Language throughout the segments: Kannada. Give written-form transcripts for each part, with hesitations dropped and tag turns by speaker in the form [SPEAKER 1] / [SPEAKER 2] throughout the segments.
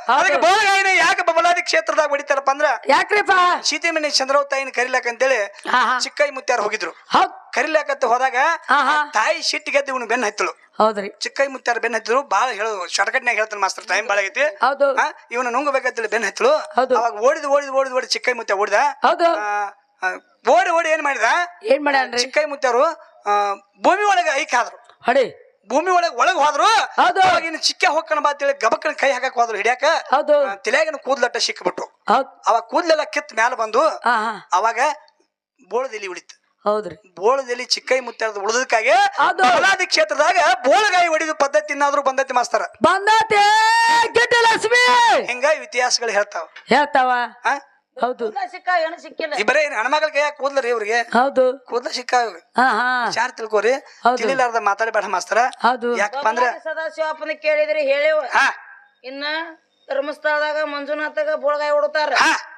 [SPEAKER 1] ಅದಕ್ಕೆ ಬೋಳಗಾಯಿನ ಯಾಕೆ ಬಬಲಾದಿ ಕ್ಷೇತ್ರದಾಗ ಹೊಡಿತಾರಪ್ಪ ಅಂದ್ರ
[SPEAKER 2] ಯಾಕ್ರಿಪ್ಪ
[SPEAKER 1] ಸೀತೆಮಣಿ ಚಂದ್ರವ್ ತಾಯಿನ ಕರಿಲಾಕ ಅಂತೇಳಿ ಚಿಕ್ಕೈ ಮುತ್ಯಾರ ಹೋಗಿದ್ರು ಕರಿಲಾಕಂತ ಹೋದಾಗ ತಾಯಿ ಸಿಟ್ಟು ಗೆದ್ದು ಇವನು ಬೆನ್ನ ಹತ್ತಳು
[SPEAKER 2] ಹೌದ್ರಿ
[SPEAKER 1] ಚಿಕ್ಕೈ ಮುತ್ಯಾರ ಬೆನ್ನ ಹತ್ತಿದ್ರು ಬಾಳ ಹೇಳೋದು ಶಾರ್ಟ್ಕಟ್ನಾಗ ಹೇಳ್ತಾನೆ ಮಾಸ್ತರ್ ಟೈಮ್ ಬಾಳ ಆಗೈತಿ ಇವನ ನುಂಗಬೇಕಂತೇಳಿ ಬೆನ್ನ ಹತ್ತಳು ಅವಾಗ ಓಡಿ ಚಿಕ್ಕೈ ಮುತ್ಯ ಓಡಿದ ಓಡಿ ಏನ್ ಮಾಡಿದ ಚಿಕ್ಕೈ ಮುತ್ಯಾರು ಭೂಮಿ ಒಳಗೆ ಐಕಾದ್ರು
[SPEAKER 2] ಹೊಡಿ
[SPEAKER 1] ಭೂಮಿ ಒಳಗ್ ಹೋದ್ರು ಇನ್ನು ಚಿಕ್ಕ ಹೊಕ್ಕಣ ಬಾತೇಳಿ ಗಬಕ್ಕನ ಕೈ ಹಾಕಕ್ ಹೋದ್ರು ಹಿಡಿಯಾಕ ತಲೆಯಾಗಿನ ಕೂದ್ಲಟ್ಟ ಸಿಕ್ಬಿಟ್ಟು ಅವಾಗ ಕೂದ್ಲೆಲ್ಲ ಕಿತ್ ಮ್ಯಾಲ ಬಂದು ಅವಾಗ ಬೋಳದೆಲಿ ಉಳಿತು
[SPEAKER 2] ಹೌದ್ರಿ
[SPEAKER 1] ಬೋಳದಲ್ಲಿ ಚಿಕ್ಕೈ ಮುತ್ತಾರದ ಉಳಿದಕ್ಕಾಗಿ ಬಬಲಾದಿ ಕ್ಷೇತ್ರದಾಗ ಬೋಳಗಾಯಿ ಹೊಡಿದು ಪದ್ಧತಿ ಇನ್ನಾದ್ರೂ ಬಂದತಿ ಮಾಸ್ತರ
[SPEAKER 2] ಬಂದತಿ ಲಕ್ಷ್ಮಿ
[SPEAKER 1] ಹಿಂಗ ಇತಿಹಾಸಗಳು
[SPEAKER 2] ಹೇಳ್ತಾವ ಹೌದು
[SPEAKER 1] ಬರೇ ಹೆಣ್ಮಗಳ ಕೈಯಾಗ ಕೂದ್ಲರಿ ಇವ್ರಿಗೆ
[SPEAKER 2] ಹೌದು
[SPEAKER 1] ಕೂದ್ಲ ಸಿಕ್ಕ ವಿಚಾರ ತಿಳ್ಕೋರಿ ತಿಳಿಲಾರ್ದ ಮಾತಾಡಬೇಡ ಮಾಸ್ತರ ಯಾಕಪ್ಪ ಅಂದ್ರ
[SPEAKER 3] ಸದಾಶಿವಪ್ಪನ ಕೇಳಿದ್ರಿ ಹೇಳಿವ ಇನ್ನ ಧರ್ಮಸ್ಥಳದಾಗ ಮಂಜುನಾಥಾಗ ಬೋಳಗಾಯಿ ಹೊಡುತ್ತಾರ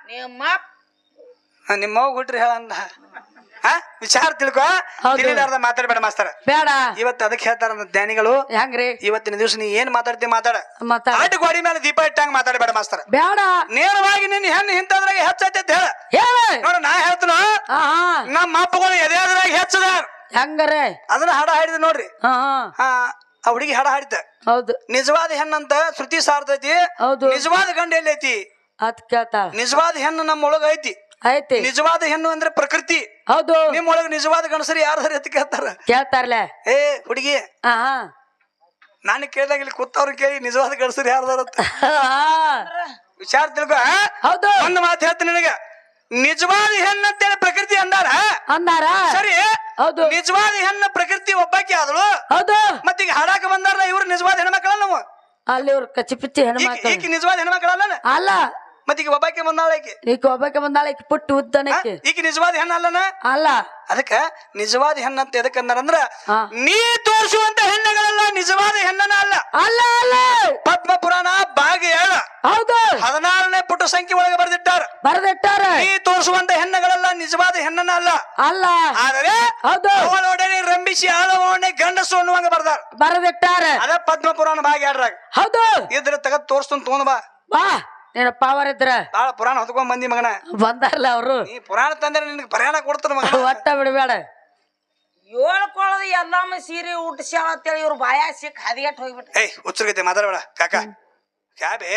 [SPEAKER 1] ನಿಮ್ಮವ್ ಹುಟ್ರಿ ಹೇಳಂದ ವಿಚಾರ ತಿಳ್ಕೊ ತಿಳಿಲಾರ್ದ ಮಾತಾಡಬೇಡ ಮಾಸ್ತರ
[SPEAKER 2] ಬೇಡ
[SPEAKER 1] ಇವತ್ತು ಅದಕ್ಕೆ ಹೇಳ್ತಾರ ಜ್ಞಾನಿಗಳು
[SPEAKER 2] ಹೆಂಗ್ರಿ
[SPEAKER 1] ಇವತ್ತಿನ ದಿವಸ ನೀ ಏನ್ ಮಾತಾಡ್ತಿ ಮಾತಾಡ ಆಟ ಗೋಡಿ ಮೇಲೆ ದೀಪ ಇಟ್ಟಂಗ ಮಾತಾಡಬೇಡ ಮಾಸ್ತರ
[SPEAKER 2] ಬೇಡ
[SPEAKER 1] ನೇರವಾಗಿ ನಿನ್ ಹೆಣ್ಣು ಇಂತದ್ರಾಗ ಹೆಚ್ಚೈತೆ ಅಂತ ಹೇಳ ನೋಡ ನಾ ಹೇಳ್ತನ ನಮ್ಮ ಅಪ್ಪಗಳು ಎದೆದ್ರಾಗ ಹೆಚ್ಚದಾರ
[SPEAKER 2] ಹೆಂಗಾರೆ
[SPEAKER 1] ಅದನ್ನ ಹಾಡ ಹಾಡಿದ ನೋಡ್ರಿ ಆ ಹುಡುಗಿ ಹಾಡ ಹಾಡಿದ್ದ
[SPEAKER 2] ಹೌದು
[SPEAKER 1] ನಿಜವಾದ ಹೆಣ್ಣಂತ ಶ್ರುತಿ ಸಾರ್ತೈತಿ ನಿಜವಾದ ಗಂಡ ಎಲ್ಲಿ ಐತಿ
[SPEAKER 2] ಅದ್ ಕೇಳ್ತಾಳ
[SPEAKER 1] ನಿಜವಾದ ಹೆಣ್ಣು ನಮ್ಮ ಒಳಗ ಐತಿ
[SPEAKER 2] ಐತಿ
[SPEAKER 1] ನಿಜವಾದ ಹೆಣ್ಣು ಅಂದ್ರೆ ಪ್ರಕೃತಿ
[SPEAKER 2] ಹೌದು
[SPEAKER 1] ನಿಮ್ ಒಳಗ ನಿಜವಾದ ಗಣಸರಿ ಯಾರು ಸರಿ ಅಂತ
[SPEAKER 2] ಕೇಳ್ತಾರಲ್ಲ
[SPEAKER 1] ಏ ಹುಡುಗಿ ನಾನು ಕೇಳಿದಾಗ ಇಲ್ಲಿ ಕೂತವ್ರು ಕೇಳಿ ನಿಜವಾದ ಗಣಸರಿ ಯಾರ್ದಾರಂತ ವಿಚಾರ ತಿಳ್ಕೊ
[SPEAKER 2] ಹೌದು
[SPEAKER 1] ಒಂದು ಮಾತು ಹೇಳ್ತೀನಿ ನಿನಗ ನಿಜವಾದ ಹೆಣ್ಣು ಅಂತೇಳಿ ಪ್ರಕೃತಿ ಅಂದಾರ ಸರಿ
[SPEAKER 2] ಹೌದು
[SPEAKER 1] ನಿಜವಾದ ಹೆಣ್ಣು ಪ್ರಕೃತಿ ಒಬ್ಬಾಕಿ ಆದಳು
[SPEAKER 2] ಹೌದು
[SPEAKER 1] ಮತ್ತೀಗ ಹಾಡಾಕ ಬಂದಾರಲ್ಲ ಇವ್ರು ನಿಜವಾದ ಹೆಣ್ಮಕ್ಳಲ್ಲ ನಾವು
[SPEAKER 2] ಅಲ್ಲಿ ಇವ್ರು ಕಚ್ಚಿ ಪಿಚ್ಚಿ ಹೆಣ್ಮಕ್ಳು
[SPEAKER 1] ಈಕಿ ನಿಜವಾದ ಹೆಣ್ಮಕ್ಳಲ್ಲ
[SPEAKER 2] ಅಲ್ಲ
[SPEAKER 1] ಮತ್ತೀಗ ಒಬ್ಬಾಕಿ ಬಂದಾಳ
[SPEAKER 2] ಈಗ ಒಬ್ಬಾಕಿ ಬಂದಾಳ ಪುಟ್ಟು ಉದ್ದನಕ್ಕೆ
[SPEAKER 1] ಈಕಿ ನಿಜವಾದ ಹೆಣ್ಣ ಅಲ್ಲನ
[SPEAKER 2] ಅಲ್ಲ
[SPEAKER 1] ಅದಕ್ಕ ನಿಜವಾದ ಹೆಣ್ಣಂತ ಎದಕ್ ಅಂದಾರಂದ್ರ ನೀ ತೋರಿಸುವಂತ ಹೆಣ್ಣುಗಳೆಲ್ಲ ನಿಜವಾದ ಹೆಣ್ಣನ ಅಲ್ಲ
[SPEAKER 2] ಅಲ್ಲ ಅಲ್ಲ
[SPEAKER 1] ಪದ್ಮ ಪುರಾಣ ಭಾಗ 7
[SPEAKER 2] ಹೌದು
[SPEAKER 1] 16ನೇ ಪುಟ ಸಂಖ್ಯೆ ಒಳಗೆ ಬರೆದಿಟ್ಟಾರ ನೀ ತೋರಿಸುವಂತ ಹೆಣ್ಣುಗಳೆಲ್ಲ ನಿಜವಾದ ಹೆಣ್ಣನ ಅಲ್ಲ
[SPEAKER 2] ಅಲ್ಲ
[SPEAKER 1] ಆದರೆ ಅವಳೊಡನೆ ರಂಭಿಸಿ ಆಳವೊಡನೆ ಗಂಡಸು ಅನ್ನುವಂಗ
[SPEAKER 2] ಬರೆದಿಟ್ಟಾರ
[SPEAKER 1] ಅದ ಪದ್ಮ ಪುರಾಣ ಭಾಗ 2
[SPEAKER 2] ಹೌದು
[SPEAKER 1] ಇದ್ರ ತಗದ್ ತೋರ್ಸ್ತನ್ ತಗೊಂಡ್
[SPEAKER 2] ಬಾ ನೀನು ಪವರ್ ಇದ್ರ
[SPEAKER 1] ಬಾಳ ಪುರಾಣ ಹೊತ್ಕೊಂಡ್ ಬಂದಿ ಮಗನ
[SPEAKER 2] ಬಂದಾರಲ್ಲ ಅವರು
[SPEAKER 1] ನೀ ಪುರಾಣ ತಂದ್ರೆ ನಿನ್ಗೆ ಪ್ರಯಾಣ ಕೊಡ್ತಾರ ಮಗ
[SPEAKER 2] ಒಟ್ಟ ಬಿಡಬೇಡ
[SPEAKER 3] ಹೇಳ್ಕೊಳ್ಳೋದು ಎಲ್ಲಮ್ಮ ಸೀರೆ ಊಟಸ್ಯಾಳ ಅಂತೇಳಿ ಇವ್ರು ಬಾಯ ಸಿಕ್ ಹದಿಗೆಟ್ ಹೋಗ್ಬಿಟ್ಟ
[SPEAKER 1] ಏಯ್ ಹುಚ್ಚರ್ಗೈತೆ ಮಾತಾಡಬೇಡ ಕಾಕ ಕ್ಯಾಬೆ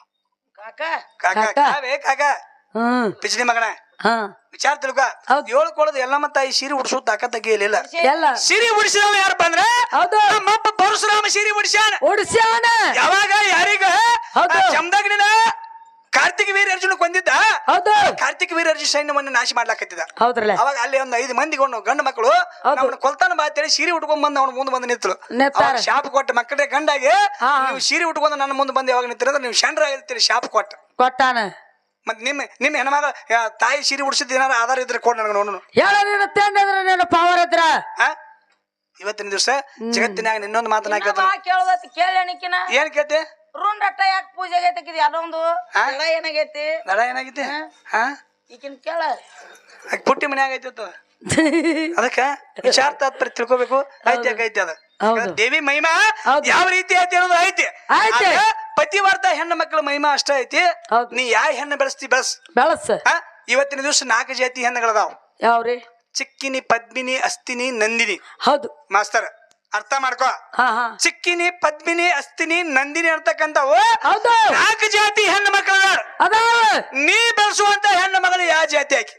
[SPEAKER 1] ಕಾಕ ಪಿಚ್ಡಿ ಮಗನ ವಿಚಾರ ತಿಳ್ಕ ಹೇಳ್ಕೊಳ್ಳೋದು ಎಲ್ಲಮ್ಮ ತಾಯಿ ಸೀರೆ ಉಡ್ಸೋ ತಾಕತ್ ತೆಗಿಯಲಿಲ್ಲ ಸೀರೆ ಉಡಿಸಿದವ ಯಾರಪ್ಪ ಅಂದ್ರೆ ನಮ್ಮಪ್ಪ ಪರಶುರಾಮ ಸೀರೆ ಉಡಿಸ್ಯಾನ ಯಾವಾಗ ಯಾರಿಗ ಜಮದಗ್ನಿನ ಕಾರ್ತಿಕ ವೀರ ಅರ್ಜುನ ಕೊಂದಿದ್ದ ಕಾರ್ತಿಕ ವೀರ ಅರ್ಜುನ ಸೈನ್ಯವನ್ನು ನಾಶ ಮಾಡ್ಲಾಕತ್ತಿದ ಅವಾಗ ಅಲ್ಲಿ ಒಂದು 5 ಮಂದಿ ಗಂಡು ಮಕ್ಕಳು ಅವನ ಕೊಲ್ತಾನ ಬಾ ಅಂತೇಳಿ ಸೀರೆ ಉಟ್ಕೊಂಡ್ ಬಂದ್ ಅವ್ನ ಮುಂದೆ ಬಂದು ನಿಂತಳು ಶಾಪ ಕೊಟ್ಟ ಮಕ್ಕಳಿಗೆ ಗಂಡಾಗಿ ನೀವು ಸೀರೆ ಉಟ್ಕೊಂಡು ನನ್ನ ಮುಂದೆ ಬಂದು ಯಾವಾಗ ನಿಂತಿರಂದ್ರೆ ನೀವು ಶಂಡ್ರ ಆಗಿರ್ತೀರಿ ಶಾಪ ಕೊಟ್ಟಾನ ಮತ್ ನಿಮ್ಮ ಹೆಣ್ಮಗ ತಾಯಿ ಸೀರೆ ಉಡ್ಸಿದ ಏನಾರ ಆಧಾರ ಇದ್ರೆ ಕೊಡ್ ನನಗೆ ನೋಡು
[SPEAKER 2] ಪವರ್ ಇದ್ರ
[SPEAKER 1] ಇವತ್ತಿನ ದಿವಸ ಜಗತ್ತಿನಾಗ ಇನ್ನೊಂದು ಮಾತನ್ನ
[SPEAKER 3] ಕೇಳೋದಕ್ಕೆ
[SPEAKER 1] ಏನ್ ಕೇಳ್ತಿ
[SPEAKER 3] ರುಂಡಟ್ಟ ಯಾಕೆ ಪೂಜೆಗೆ ತೆಗಿದಿ ಅದೊಂದು ಏನಾಗೈತಿ
[SPEAKER 1] ದಡ ಏನಾಗೈತಿ
[SPEAKER 3] ಈಗಿನ ಕೇಳ
[SPEAKER 1] ಪುಟ್ಟಿ ಮನೆ ಆಗೈತಿ ಅದಕ್ಕ ವಿಚಾರ ತಾತ್ಪರ್ಯ ತಿಳ್ಕೊಬೇಕು ಐತಿ ಅದ ದೇವಿ ಮಹಿಮಾ ಯಾವ ರೀತಿ ಐತಿ ಅನ್ನೋದು ಐತಿ ಪತಿವರ್ತ ಹೆಣ್ಣು ಮಕ್ಕಳ ಮಹಿಮಾ ಅಷ್ಟ ಐತಿ ನೀ ಯಾವ ಹೆಣ್ಣು ಬೆಳೆಸ್ತಿ ಬೆಳಸ್ ಇವತ್ತಿನ ದಿವಸ 4 ಜಾತಿ ಹೆಣ್ಣುಗಳದಾವ್
[SPEAKER 2] ಯಾವ್ರಿ
[SPEAKER 1] ಚಿಕ್ಕಿನಿ ಪದ್ಮಿನಿ ಅಸ್ತಿನಿ ನಂದಿನಿ
[SPEAKER 2] ಹೌದು
[SPEAKER 1] ಮಾಸ್ತರ್ ಅರ್ಥ ಮಾಡ್ಕೋ ಚಿಕ್ಕಿನಿ ಪದ್ಮಿನಿ ಅಸ್ತಿನಿ ನಂದಿನಿ ಅಂತಕ್ಕಂಥವು 4 ಜಾತಿ ಹೆಣ್ಣು ಮಕ್ಕಳ ನೀ ಬೆಳೆಸುವಂತ ಹೆಣ್ಣು ಮಗಳು ಯಾವ ಜಾತಿ ಆಕಿ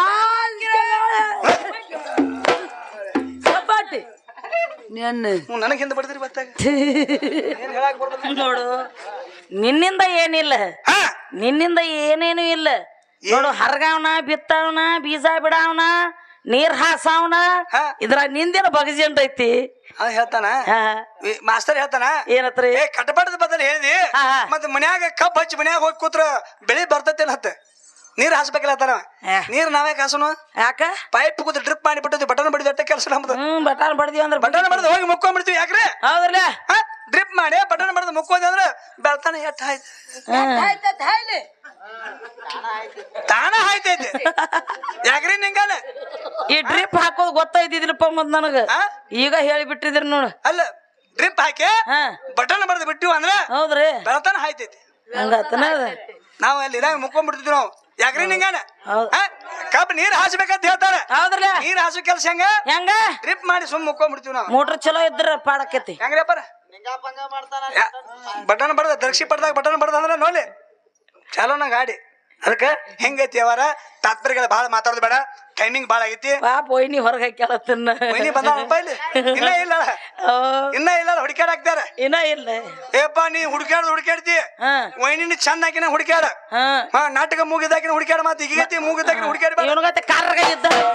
[SPEAKER 1] ನನಗೆ ಹಿಂದೆ ಬಡದ್ರಿ ಬತ್ತಾಗ
[SPEAKER 3] ನೋಡು ನಿನ್ನಿಂದ ಏನಿಲ್ಲ ನಿನ್ನಿಂದ ಏನೇನು ಇಲ್ಲ ನೋಡು ಹರ್ಗಾವನ ಬಿತ್ತವನ ಬೀಜ ಬಿಡವನ ನೀರ್ ಹಾಸವನ ಇದ್ರ ನಿಂದಿನ ಬಗಜೆಂಟ್ ಐತಿ
[SPEAKER 1] ಹೇಳ್ತಾನ ಮಾಸ್ತರ್ ಹೇಳ್ತಾನ
[SPEAKER 3] ಏನತ್ರಿ
[SPEAKER 1] ಕಟಪಾಟದ ಬದಲು ಹೇಳಿದಿ ಮತ್ ಮನ್ಯಾಗ ಕಬ್ಬ್ ಹಚ್ಚಿ ಮನ್ಯಾಗ ಹೋಗಿ ಕೂತ್ರ ಬೆಳಿ ಬರ್ತೈತಿ ಹತ್ತ ನೀರ್ ಹಾಸ್ಬೇಕಲ್ಲ ನೀರ್ ನಾವೇ ಕಾಸನು
[SPEAKER 3] ಯಾಕ
[SPEAKER 1] ಪೈಪ್ ಕೂತ್ ಡ್ರಿಪ್ ಮಾಡಿಬಿಟ್ಟು ಬಟನ್ ಬಡಿದ ಕೆಲಸ ನಮ್ದು
[SPEAKER 3] ಬಟನ್ ಬಡ್ದಿ ಅಂದ್ರೆ
[SPEAKER 1] ಬಟನ್ ಬಡ್ದು ಹೋಗಿ ಮುಕ್ಕೊಂಡ್ಬಿಡ್ತೀವಿ ಯಾಕ್ರೆ
[SPEAKER 3] ಹೌದ್ರಲ್ಲ
[SPEAKER 1] ಡ್ರಿಪ್ ಮಾಡಿ ಬಟನ್ ಬಡ್ದು ಮುಕ್ಕೋದಿ ಅಂದ್ರೆ ಬೆಳ್ತಾನೆ ಎಟ್ಟ ತಾನ ಆಯ್ತೈತಿ ಯಾಕ್ರಿ ನಿಂಗಾನ
[SPEAKER 3] ಈ ಡ್ರಿಪ್ ಹಾಕೋದು ಗೊತ್ತಾಯ್ತಿದ್ರಪ್ಪ ಮತ್ ನನಗ ಈಗ ಹೇಳಿಬಿಟ್ಟಿದ್ರಿ ನೋಡು
[SPEAKER 1] ಅಲ್ಲ ಡ್ರಿಪ್ ಹಾಕಿ ಬಟನ್ ಬಡ್ದು ಬಿಟ್ಟಿವ ಅಂದ್ರೆ
[SPEAKER 3] ಹೌದ್ರಿ
[SPEAKER 1] ಬೆಳ್ತಾನ ಆಯ್ತೈತಿ
[SPEAKER 3] ಹಂಗತನ ಅದ
[SPEAKER 1] ನಾವ್ ಅಲ್ಲಿ ಇದಾಗ ಮುಕ್ಕೊಂಡ್ಬಿಡ್ತಿದ್ವಿ ನಾವು ಯಾಕ್ರಿ ನಿಂಗಾನ
[SPEAKER 3] ಹೌದ್.
[SPEAKER 1] ಕಬ್ಬ್ ನೀರ್ ಹಾಸ್ಬೇಕಂತ ಹೇಳ್ತಾರ
[SPEAKER 3] ಹೌದ್ರಲ್ಲ
[SPEAKER 1] ನೀರ್ ಹಾಸೋ ಕೆಲ್ಸ ಹೆಂಗ
[SPEAKER 3] ಹೆಂಗ
[SPEAKER 1] ಡ್ರಿಪ್ ಮಾಡಿ ಸುಮ್ ಮುಕ್ಕೊಂಡ್ಬಿಡ್ತೀವಿ ನಾವು
[SPEAKER 3] ಮೋಟ್ರ್ ಚಲೋ ಇದ್ರ ಪಾಡಕತಿ
[SPEAKER 1] ಹೆಂಗ್ರಪ್ಪ ಬಟನ್ ಬಡ್ದ ದರ್ಶಿ ಪಡ್ದಾಗ ಬಟನ್ ಬಡ್ದ ಅಂದ್ರೆ ನೋಡಿ ಚಾಲೋನ ಗಾಡಿ ಅದಕ್ಕ ಹೆಂಗೈತಿ ಅವರ ತಾತ್ಪರ್ಯಗಳ ಬಾಳ ಮಾತಾಡೋದು ಬೇಡ ಟೈಮಿಂಗ್ ಬಾಳ ಆಗೈತಿ
[SPEAKER 3] ಪಾಪ ಒಯ್ನಿ ಹೊರಗೆ ಹಾಕ್ಯಾಳತ್ತನ್ನ
[SPEAKER 1] ವೈನಿ ಬಂದಾಳಪ್ಪ ಇಲ್ಲಿ ಇನ್ನ ಇಲ್ಲ ಇನ್ನ ಇಲ್ಲ ಹುಡುಕ್ಯಾಡ ಹಾಕ್ತಾರ
[SPEAKER 3] ಇನ್ನ ಇಲ್ಲ
[SPEAKER 1] ಏಪ್ಪ ನೀ ಹುಡುಕ್ಯಾಡ್ತಿ
[SPEAKER 3] ಹಾ
[SPEAKER 1] ವೈನಿನ ಚಂದ ಹಾಕಿನ ಹುಡುಕ್ಯಾಡ
[SPEAKER 3] ಹಾ
[SPEAKER 1] ನಾಟಕ ಮುಗಿದಾಕಿನ ಹುಡುಕ್ಯಾಡ ಮಾತು ಈಗೈತಿ ಮುಗಿದಾಕಿನ ಹುಡುಕ್ಯಾಡ
[SPEAKER 3] ಇವನ್ಗತ್ತೆ ಕಾರ್ಗ ಇದ್ದ